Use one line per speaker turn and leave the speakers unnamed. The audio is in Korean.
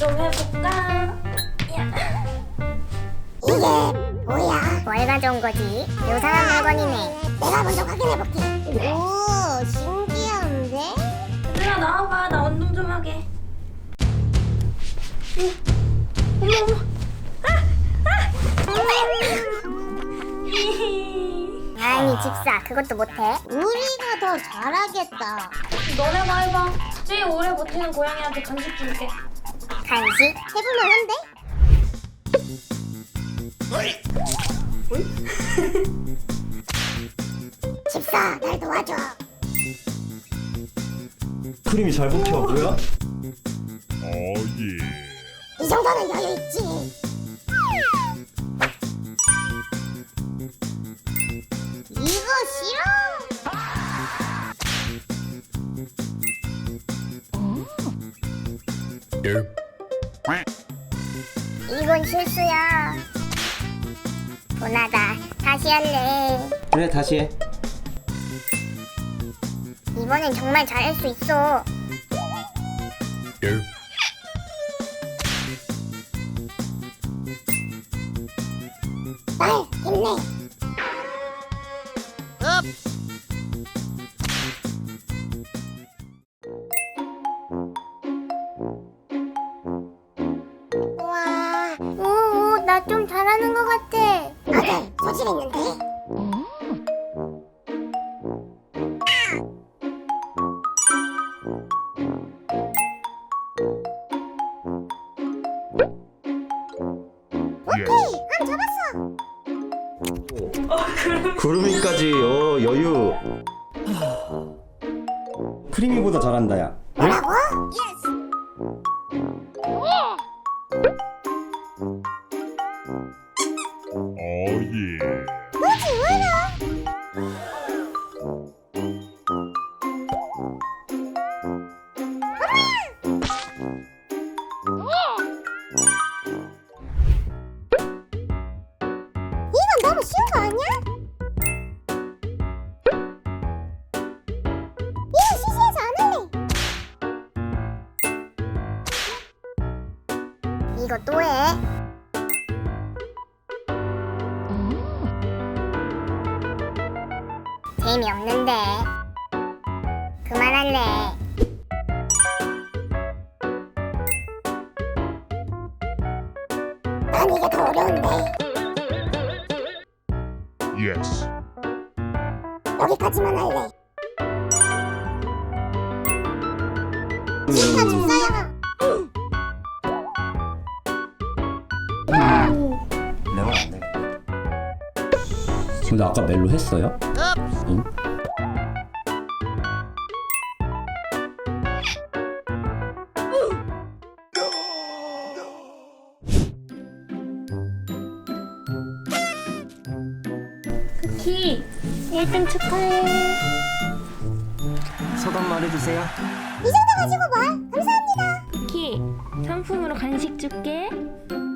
좀 해볼까?
이게 뭐야?
뭘 가져온 거지? 요상한 물건이네.
내가 먼저 확인해볼게. 오, 신기한데?
얘들아 나와봐. 나 운동 좀 하게. 어머
아니 집사 그것도 못해?
우리가 더 잘하겠다.
너네가 해봐. 제일 오래 버티는 고양이한테 간식 줄게.
간식?
해볼만 한데? 집사, 날 도와줘.
크림이 잘 버텨. 뭐야?
이 정도는 여유 있지. 이거 싫어.
이건 실수야. 분하다. 다시 할래.
그래 다시 해.
이번엔 정말 잘할 수 있어.
날 힘내. 우와,
오, 나 좀 잘하는 것 같아.
아들 소질 있는데? 오케이, 한 잡았어.
구름이까지 여유. 크림이보다 잘한다 야.
뭐라고? 뭐지 왜 이래? 이건 너무 쉬운 거 아니야? 이건 시시해서 안 할래.
이거 또 해? 재미없는데. 그만할래.
난 이게 더 어려운데.
Yes.
여기까지만 할래. 진짜 집사야.
내가 안 돼. 근데 아까 멜로 했어요? 응?
키 1등 축하해.
소감 말해주세요.
이 정도 가지고 뭘? 감사합니다.
키 상품으로 간식 줄게.